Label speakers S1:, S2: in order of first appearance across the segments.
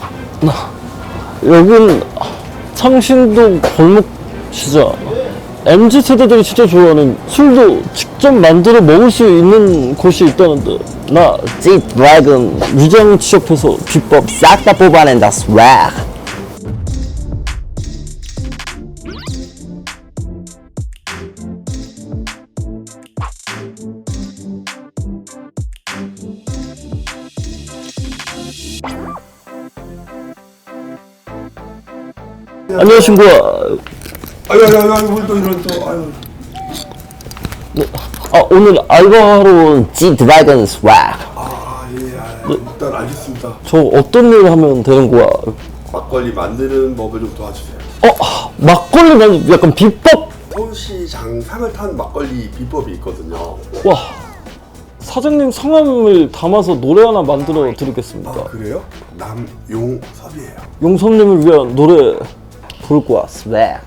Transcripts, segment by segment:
S1: 여긴 창신동 골목 진짜 MZ 세대들이 진짜 좋아하는 술도 직접 만들어 먹을 수 있는 곳이 있다는데 나
S2: 집 드래곤
S1: 위장 취업해서 비법
S2: 싹 다 뽑아낸다 스웩.
S1: 안녕하십니까.
S3: 아유, 오늘 또 이런 또, 아유.
S1: 오늘 알바하러 온
S2: 집 드래곤 스웩.
S3: 일단 알겠습니다.
S1: 저 어떤 일 하면 되는 거야?
S3: 막걸리 만드는 법을 좀 도와주세요.
S1: 막걸리 만 약간 비법.
S3: 서울시장 상을 탄 막걸리 비법이 있거든요.
S1: 와, 사장님 성함을 담아서 노래 하나 만들어 드리겠습니다.
S3: 그래요? 남용섭이에요.
S1: 용섭님을 위한 노래 부를 거야.
S2: 스웩.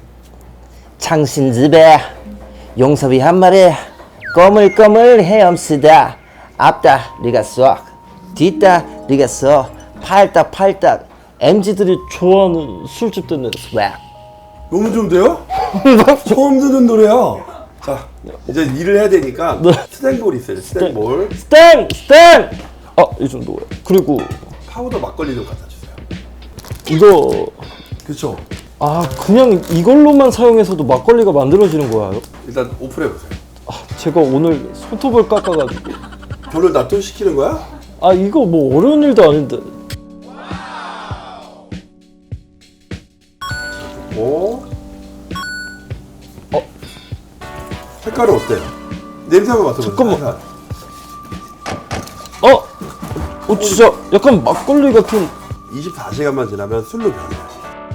S2: 창신집에 용섭이 한 마리 꼬물꼬물 헤엄쓰다 앞다 리가 쏙 뒤다 리가 쏙 팔딱
S1: MZ들이 좋아하는 술집 되는
S2: 스웩.
S3: 너무 좋은데요? 처음 듣는 노래야. 자, 이제 일을 해야 되니까 스탱볼 있어요. 스탱볼.
S1: 스탱! 이 정도야. 그리고
S3: 파우더 막걸리 좀 갖다 주세요.
S1: 이거
S3: 그렇죠?
S1: 그냥 이걸로만 사용해서도 막걸리가 만들어지는 거야.
S3: 일단 오픈해 보세요.
S1: 제가 오늘 손톱을 깎아가지고
S3: 별로 납득시키는 거야?
S1: 이거 뭐 어려운 일도 아닌데.
S3: 오. 색깔은 어때요? 냄새 한번 맡아보세요.
S1: 잠깐만. 진짜 약간 막걸리 같은.
S3: 24시간만 지나면 술로 변해요.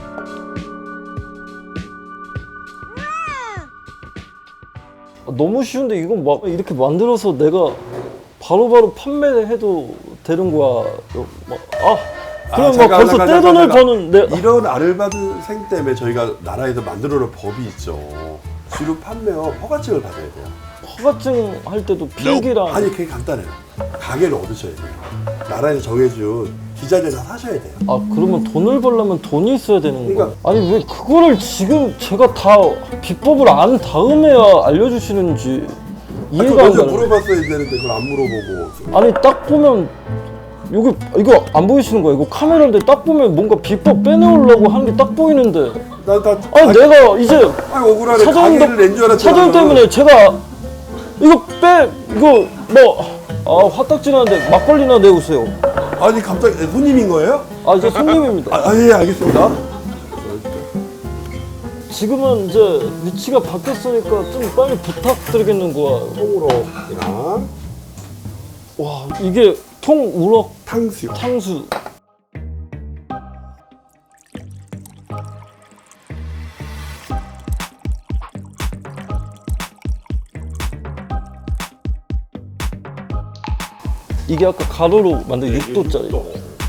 S1: 너무 쉬운데 이건 막 이렇게 만들어서 내가 바로바로 판매해도 되는 거야. 그럼 막 벌써 떼돈을 버는 내.
S3: 이런 알바생 때문에 저희가 나라에서 만들어놓은 법이 있죠. 주류 판매업 허가증을 받아야 돼요.
S1: 허가증 할 때도 필기랑.
S3: 아니 그게 간단해요. 가게를 얻으셔야 돼요. 나라에서 정해준 기자재 다 사셔야 돼요.
S1: 그러면 돈을 벌려면 돈이 있어야 되는 거야.
S3: 그러니까.
S1: 아니 왜 그거를 지금 제가 다 비법을 안 다음에야 알려주시는지 이해가 안
S3: 먼저
S1: 가는.
S3: 물어봤어야 되는데 그걸 안 물어보고.
S1: 아니 딱 보면 여기 이거 안 보이시는 거야? 이거 카메라인데 딱 보면 뭔가 비법 빼내려고 하는 게 딱 보이는데. 내가 이제
S3: 억울하네. 가게를 낸 줄 알았잖아.
S1: 사장 때문에 제가 이거 화딱지나는데 막걸리나 내오세요.
S3: 아니 갑자기 손님인 거예요?
S1: 이제 손님입니다.
S3: 예, 알겠습니다.
S1: 지금은 이제 위치가 바뀌었으니까 좀 빨리 부탁드리겠는 거야.
S3: 통으로랑
S1: 와, 이게 통우럭
S3: 탕수육.
S1: 탕수. 이게 아까 가로로 만든 6도짜리.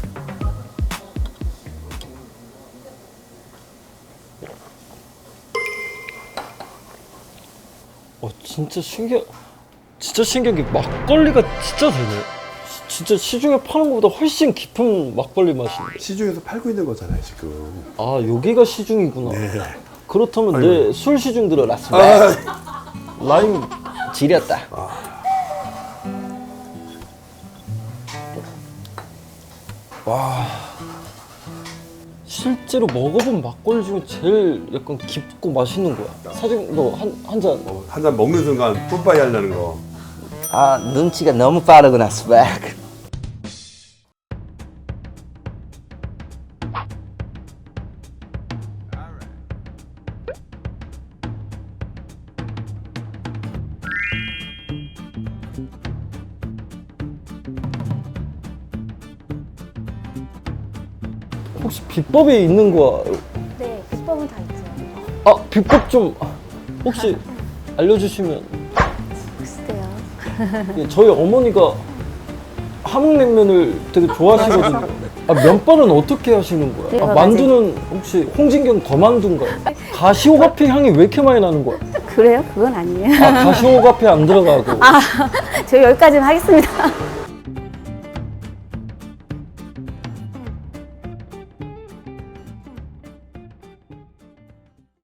S1: 진짜 신기한 게 막걸리가 진짜 되네. 진짜 시중에 파는 것보다 훨씬 깊은 막걸리 맛인데.
S3: 시중에서 팔고 있는 거잖아요 지금.
S1: 여기가 시중이구나.
S3: 네.
S1: 그렇다면 내 술 시중 들어라. 라임
S2: 지렸다.
S1: 실제로 먹어본 막걸리 중에 제일 약간 깊고 맛있는 거야. 사장님 너 한 잔.
S3: 한 잔 먹는 순간 뿜빠이 하려는 거.
S2: 눈치가 너무 빠르구나 스웩.
S1: 혹시 비법이 있는 거야?
S4: 네, 비법은 다 있죠.
S1: 비법 좀 혹시 알려주시면.
S4: 글쎄요.
S1: 저희 어머니가 함흥냉면을 되게 좋아하시거든요. 면발은 어떻게 하시는 거야?
S4: 제가
S1: 만두는 혹시 홍진경 더 만두인가요? 가시오가피 향이 왜 이렇게 많이 나는 거야?
S4: 그래요? 그건 아니에요.
S1: 가시오가피 안 들어가고.
S4: 저 여기까지만 하겠습니다.